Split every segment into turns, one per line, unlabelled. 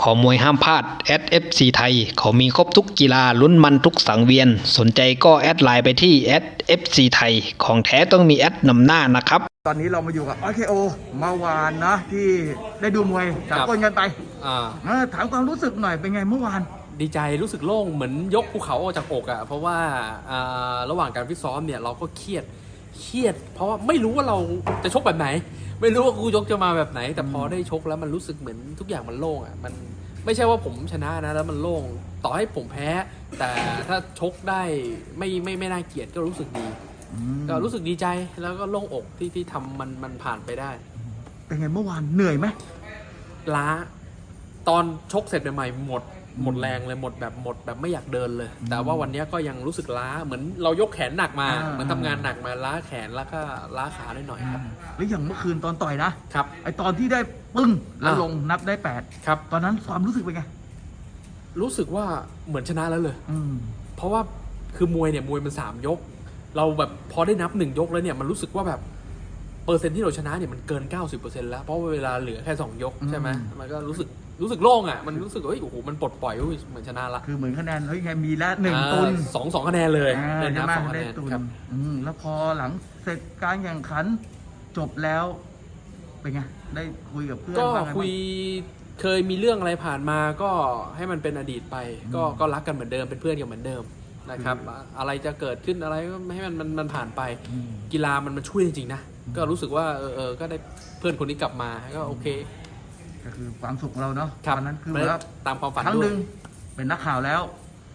ขอมวยห้ามพลาด@FC ไทยเขามีครบทุกกีฬาลุ้นมันทุกสังเวียนสนใจก็แอดไลน์ไปที่ @FC ไทยของแท้ต้องมีแอดนำหน้านะครับ
ตอนนี้เรามาอยู่กับ RKO เมื่อวานนะที่ได้ดูมวยสากลกันไปถามความรู้สึกหน่อยเป็นไงเมื่อวาน
ดีใจรู้สึกโล่งเหมือนยกภูเขาออกจากอกอ่ะเพราะว่าระหว่างการฟิตซ้อมเนี่ยเราก็เครียดเพราะว่าไม่รู้ว่าเราจะชกแบบไหนไม่รู้ว่ากูยกจะมาแบบไหนแต่พอได้ชกแล้วมันรู้สึกเหมือนทุกอย่างมันโล่งอ่ะมันไม่ใช่ว่าผมชนะนะแล้วมันโล่งต่อให้ผมแพ้แต่ถ้าชกได้ไม่น่าเกลียดก็รู้สึกดีก็รู้สึกดีใจแล้วก็โล่งอกที่ทำมันผ่านไปได้
เป็นไงเมื่อวานเหนื่อยไหม
ล้าตอนชกเสร็จใหม่ๆหมดแรงเลยหมดแบบไม่อยากเดินเลยแต่ว่าวันนี้ก็ยังรู้สึกล้าเหมือนเรายกแขนหนักมาเหมือนทำงานหนักมาล้าแขนแล้วก็ล้าขาได้หน่อยครับ
แล้วอย่างเมื่อคืนตอนต่อยนะครับไอตอนที่ได้ปึ้งแล้วลงนับได้8
ครับ
ตอนนั้นความรู้สึกเป็นไง
รู้สึกว่าเหมือนชนะแล้วเลยเพราะว่าคือมวยมัน3 ยกเราแบบพอได้นับ1 ยกแล้วเนี่ยมันรู้สึกว่าแบบเปอร์เซ็นต์ที่เราชนะเนี่ยมันเกิน 90% แล้วเพราะเวลาเหลือแค่2 ยกใช่ไหมมันก็รู้สึกโล่งอ่ะมันรู้สึกโอ้โหมันปลดปล่อยเหมือนชนะละ
คือเหมือนคะแนนไงมีละ1 ตุน
2คะแนนเลยได้นับ2 คะแนนครับ
แล้วพอหลังเสร็จการแข่งขันจบแล้วเป็นไงได้คุยกับเพื่อน
ก็คุยเคยมีเรื่องอะไรผ่านมาก็ให้มันเป็นอดีตไปก็รักกันเหมือนเดิมเป็นเพื่อนกันเหมือนเดิมนะครับอะไรจะเกิดขึ้นอะไรก็ไม่ให้มันผ่านไปกีฬามันช่วยจริงๆนะก็รู้สึกว่าก็ได้เพื่อนคนนี้กลับมาก็โอเค
ก็คือความสุขของเราเนาะ
ตอน
นั้นคือ
ว่าตามความฝัน
ทั้ง1เป็นนักข่าวแล้ว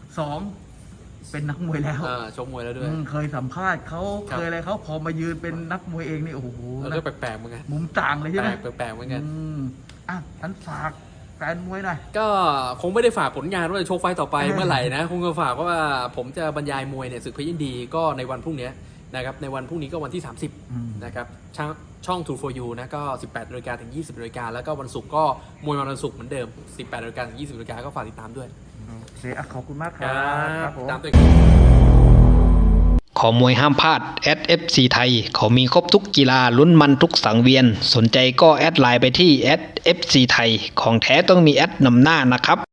2เป็นนักมวยแล้ว
ชกมวยแล้วด้วย
เคยสัมภาษณ์เขาเคยอะไรเขาพอมายืนเป็นนักมวยเองนี่โอ้โห
ก็แปลกๆเหมือนกัน
มุมต่างเลยใช่ไหม
แปลกๆเหมือนกัน
ท่านฝากแฟนมวยหน่อย
ก็คงไม่ได้ฝากผลงานว่าจะโชคไฟต่อไปเมื่อไหร่นะคงจะฝากว่าผมจะบรรยายมวยเนี่ยศึกเพชรยินดีก็ในวันพรุ่งนี้นะครับในวันพรุ่งนี้ก็วันที่30นะครับช่อง True for You นะก็ 18 น.ถึง 20 น.แล้วก็วันศุกร์ก็มวยวันศุกร์เหมือนเดิม 18 น.ถึง 20 น.ก็ฝากติดตามด้วย
โอเคขอบคุณมากครับ
ตามตัว
ขอมวยห้ามพลาด@FC ไทยเขามีครบทุกกีฬาลุ้นมันทุกสังเวียนสนใจก็แอดไลน์ไปที่ @FC ไทยของแท้ต้องมีแอดนำหน้านะครับ